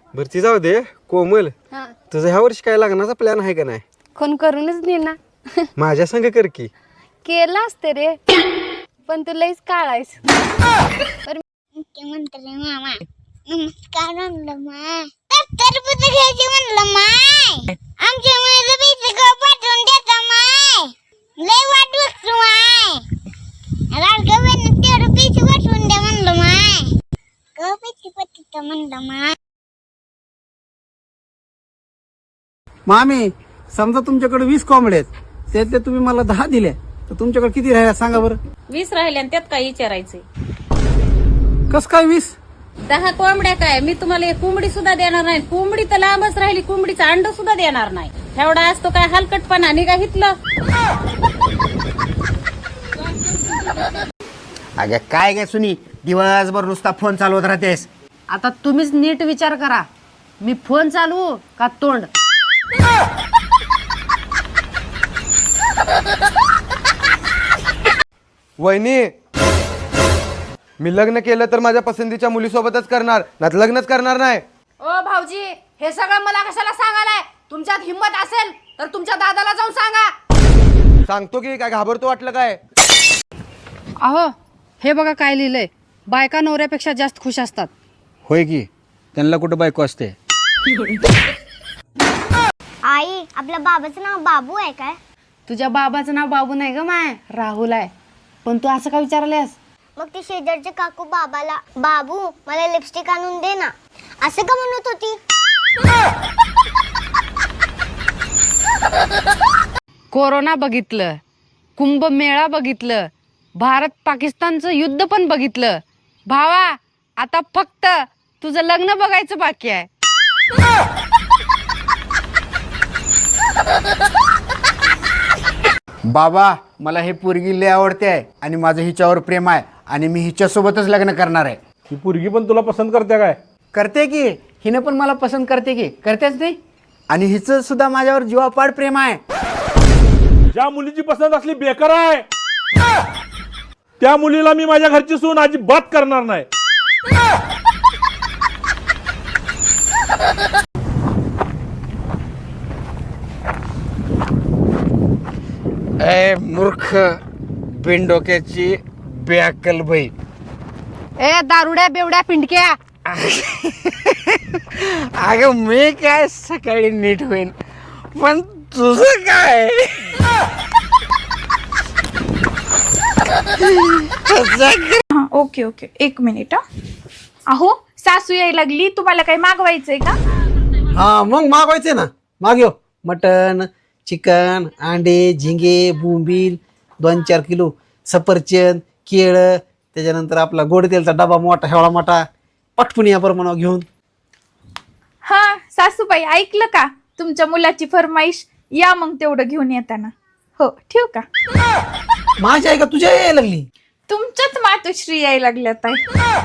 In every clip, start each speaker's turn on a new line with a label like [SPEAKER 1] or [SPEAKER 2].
[SPEAKER 1] बरं ती जाऊ दे कोमल,
[SPEAKER 2] हा
[SPEAKER 1] तुझं ह्या वर्षी काय लग्नाचा प्लॅन आहे का नाही?
[SPEAKER 2] कोण करूनच दे ना.
[SPEAKER 1] माझ्या संग कर की.
[SPEAKER 2] केलं असते रे, पण तू लईच काळायस.
[SPEAKER 3] मुख्यमंत्री मामा नमस्कार म्हणलं माय. टरबूज घ्यायची म्हणलं माय. आमच्या मुलीला पैसे ग पाठवून देता माय. लय वाट बघतो माय. लाडक्या बहिणीला तेवढं पैसे पाठवून द्या म्हणलं माय. ग पैसे पाठवता म्हणलं माय.
[SPEAKER 4] मामी, समजा तुमच्याकडे 20 कोंबड्या आहेत, त्यातले तुम्ही मला 10 दिल्या, तर तुमच्याकडे किती राहिल्या सांगा बरं?
[SPEAKER 5] 20 राहिले आणि त्यात काय विचारायचंय?
[SPEAKER 4] कस काय 20?
[SPEAKER 5] 10 कोंबड्या काय, मी तुम्हाला एक कोंबडी सुद्धा देणार नाही. कोंबडी तर लांबच राहिली, कोंबडीचं अंड सुद्धा देणार नाही. एवढा असतो काय हलकटपणा निघा हितलं.
[SPEAKER 6] अगं काय काय सुनी, दिवसभर नुसता फोन चालवत राहतेस.
[SPEAKER 7] आता तुम्हीच नीट विचार करा, मी फोन चालवू का तोंड?
[SPEAKER 1] वहिनी, मी लग्न केलं तर माझ्या पसंतीच्या मुलीसोबतच करणार, नाही लग्नच करणार नाही.
[SPEAKER 7] ओ भाऊजी, हे सगळं मला कशाला सांगायलाय? तुमच्यात हिंमत असेल तर तुमच्या दादाला जाऊन सांगा.
[SPEAKER 1] सांगतो की, काय घाबरतो वाटलं काय?
[SPEAKER 7] अहो, हे बघा काय लिहिलंय, बायका नवऱ्यापेक्षा जास्त खुश असतात.
[SPEAKER 6] होय की, त्यांना कुठं बायको असते?
[SPEAKER 3] आई, आपल्या बाबाचं नाव बाबू आहे काय?
[SPEAKER 7] तुझ्या बाबाचं नाव बाबू नाही ग माय, राहुल आहे. पण तू असं का विचारलेस?
[SPEAKER 3] मग ती शेजारची काकू बाबाला, बाबू मला लिपस्टिक आणून दे ना, असं का म्हणत होती?
[SPEAKER 7] कोरोना बघितलं, कुंभमेळा बघितलं, भारत पाकिस्तानचं युद्ध पण बघितलं. भावा, आता फक्त तुझं लग्न बघायचं बाकी आहे.
[SPEAKER 6] बाबा, मला हे पोरगी लय आवडते आहे आणि माझं हिच्यावर प्रेम आहे आणि मी हिच्यासोबतच लग्न करणार आहे.
[SPEAKER 8] ही पोरगी पण तुला पसंत करते काय?
[SPEAKER 6] करते की, हिने पण मला पसंत करते की, करतेच नाही. आणि हिचं सुद्धा माझ्यावर जीवापाड प्रेम आहे.
[SPEAKER 8] ज्या मुलीची पसंत असली बेकार आहे, त्या मुलीला मी माझ्या घरची सून अजिबात करणार नाही.
[SPEAKER 6] ए मूर्ख बिनडोक्याची बेअक्कल बाई.
[SPEAKER 7] ए दारुड्या बेवड्या पिंडक्या,
[SPEAKER 6] अगं मी काय सकाळी नीट होईन, पण तुझं काय?
[SPEAKER 9] ओके ओके, एक मिनिट. अहो, सासू यायला लागली, तुम्हाला काही मागवायचंय का?
[SPEAKER 4] हा मग मागवायचे ना, मागव. मटन, चिकन, अंडे, झिंगे, बोंबील 2-4 किलो, सफरचंद, केळं, त्याच्यानंतर आपला गोड तेलचा डबा मोठा, हेवळा मोठा, पटपुणी या प्रमाणावर घेऊन.
[SPEAKER 9] हा सासूबाई, ऐकलं का तुमच्या मुलाची फरमाईश? या मग तेवढं घेऊन येताना. हो, ठेवू का?
[SPEAKER 4] माझी आई का तुझ्या यायला लागली?
[SPEAKER 9] तुमच्याच मातोश्री यायला लागल्यात आहे.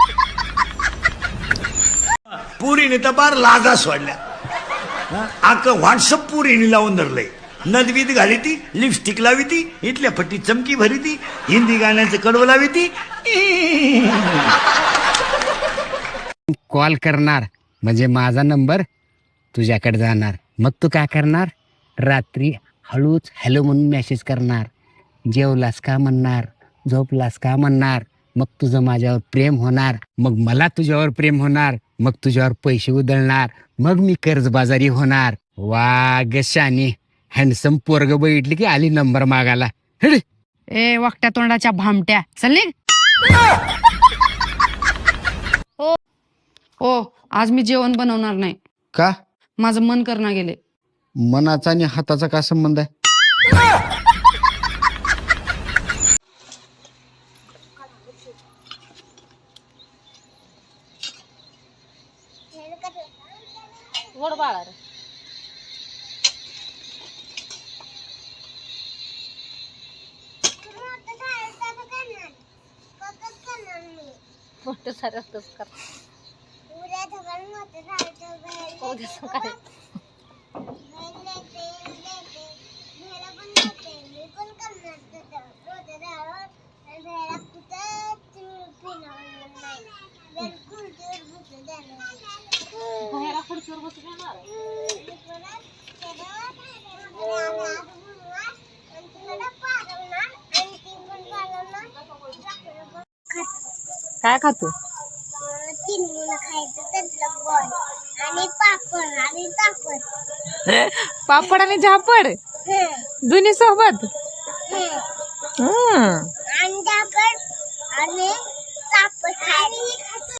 [SPEAKER 10] पुरीने तर बार लाजा सोडल्या. आक व्हॉट्सअप पुरीने लावून धरलंय. नदवीत घाली ती, लिपस्टिक लावी ती, इथल्या फट्टी चमकी भरी ती, हिंदी गाण्याचं कडवं लावी ती.
[SPEAKER 6] कॉल करणार म्हणजे माझा नंबर तुझ्याकडे जाणार. मग तू काय करणार? रात्री हळूच हॅलो म्हणून मेसेज करणार. जेवलास का म्हणणार, झोपलास का म्हणणार. मग तुझं माझ्यावर प्रेम होणार, मग मला तुझ्यावर प्रेम होणार, मग तुझ्यावर पैसे उधळणार, मग मी कर्जबाजारी होणार. वा ग शानी, हँडसम पोरग बघितली की आली नंबर मागायला.
[SPEAKER 7] ए वाकट्या तोंडाच्या भामट्या, चल निघ. ओ, आज मी जेवण बनवणार नाही.
[SPEAKER 6] का?
[SPEAKER 7] माझं मन करणं गेले.
[SPEAKER 6] मनाचा आणि हाताचा काय संबंध आहे?
[SPEAKER 5] गोड बाळा रे. मोठं सारं असतंच कर. उद्या सकाळी काय खातो?
[SPEAKER 3] 3 मुलं खायचं त्यातलं गोड आणि पापड आणि पापड.
[SPEAKER 5] पापड आणि झापड दोन्ही सोबत.
[SPEAKER 3] आणि पापड आणि पापड खायचं.